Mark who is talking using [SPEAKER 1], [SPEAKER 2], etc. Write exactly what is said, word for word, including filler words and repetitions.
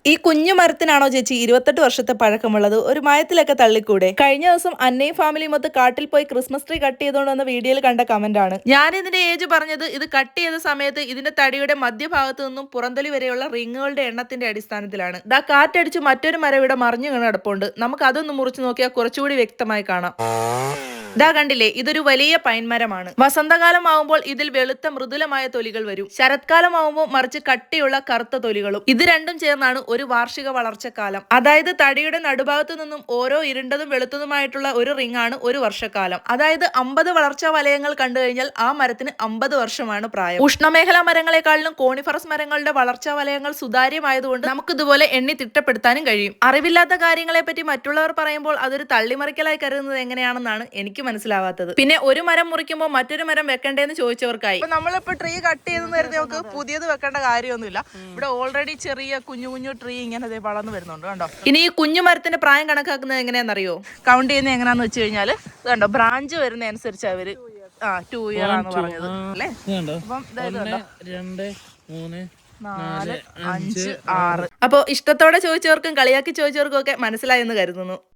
[SPEAKER 1] ഈ കുഞ്ഞു മരത്തിനാണോ ചേച്ചി ഇരുപത്തെട്ട് വർഷത്തെ പഴക്കമുള്ളത്? ഒരു മയത്തിലൊക്കെ തള്ളിക്കൂടെ? കഴിഞ്ഞ ദിവസം അന്നയും ഫാമിലിയും മൊത്തം കാട്ടിൽ പോയി ക്രിസ്മസ് ട്രീ കട്ട് ചെയ്തുകൊണ്ട് വന്ന വീഡിയോയിൽ കണ്ട കമന്റ് ആണ്. ഞാൻ ഇതിന്റെ ഏജ് പറഞ്ഞത് ഇത് കട്ട് ചെയ്ത സമയത്ത് ഇതിന്റെ തടിയുടെ മധ്യഭാഗത്ത് നിന്നും പുറന്തലി വരെയുള്ള റിങ്ങുകളുടെ എണ്ണത്തിന്റെ അടിസ്ഥാനത്തിലാണ്. ദാ കാറ്റടിച്ച് മറ്റൊരു മരം ഇവിടെ മറിഞ്ഞു കിടപ്പുണ്ട്. നമുക്ക് അതൊന്ന് മുറിച്ചു നോക്കിയാൽ കുറച്ചുകൂടി വ്യക്തമായി കാണാം. ദാ കണ്ടില്ലേ, ഇതൊരു വലിയ പൈൻ മരമാണ്. വസന്തകാലം ആവുമ്പോൾ ഇതിൽ വെളുത്ത മൃദുലമായ തൊലികൾ വരും. ശരത്കാലം ആവുമ്പോൾ മറിച്ച് കട്ടിയുള്ള കറുത്ത തൊലികളും. ഇത് രണ്ടും ചേർന്നാണ് ഒരു വാർഷിക വളർച്ചക്കാലം. അതായത് തടിയുടെ നടുഭാഗത്തു നിന്നും ഓരോ ഇരുണ്ടതും വെളുത്തതുമായിട്ടുള്ള ഒരു റിംഗ് ആണ് ഒരു വർഷക്കാലം. അതായത് അമ്പത് വളർച്ചാ വലയങ്ങൾ കണ്ടു കഴിഞ്ഞാൽ ആ മരത്തിന് അമ്പത് വർഷമാണ് പ്രായം. ഉഷ്ണമേഖലാ മരങ്ങളെക്കാളിലും കോണിഫറസ് മരങ്ങളുടെ വളർച്ചാ വലയങ്ങൾ സുതാര്യമായതുകൊണ്ട് നമുക്ക് ഇതുപോലെ എണ്ണി തിട്ടപ്പെടുത്താനും കഴിയും. അറിവില്ലാത്ത കാര്യങ്ങളെ പറ്റി മറ്റുള്ളവർ പറയുമ്പോൾ അതൊരു തള്ളിമറിക്കലായി കരുതുന്നത് എങ്ങനെയാണെന്നാണ് എനിക്ക് മനസ്സിലാവാത്തത്. പിന്നെ ഒരു മരം മുറിക്കുമ്പോൾ മറ്റൊരു മരം വെക്കണ്ടേന്ന് ചോദിച്ചവർക്കായി. നമ്മളിപ്പോ ട്രീ കട്ട് ചെയ്തെന്ന് കരുതി നമുക്ക് പുതിയത് വെക്കേണ്ട കാര്യമൊന്നുമില്ല. ഇവിടെ ഓൾറെഡി ചെറിയ കുഞ്ഞു കുഞ്ഞു ട്രീ ഇങ്ങനെ വളർന്നു വരുന്നുണ്ട് കണ്ടോ. ഇനി ഈ കുഞ്ഞു മരത്തിന്റെ പ്രായം കണക്കാക്കുന്നത് എങ്ങനെയാണെന്നറിയോ? കൗണ്ട് ചെയ്യുന്നത് എങ്ങനെയാന്ന് വെച്ച് കഴിഞ്ഞാല് കണ്ടോ, ബ്രാഞ്ച് വരുന്ന അനുസരിച്ച് അവര് ആ ടു ഇയർ ആണെന്ന് പറഞ്ഞത് അല്ലേ. അപ്പം രണ്ട് മൂന്ന് നാല് അഞ്ച് ആറ്. അപ്പൊ ഇഷ്ടത്തോടെ ചോദിച്ചവർക്കും കളിയാക്കി ചോദിച്ചവർക്കും ഒക്കെ മനസ്സിലായെന്ന് കരുതുന്നു.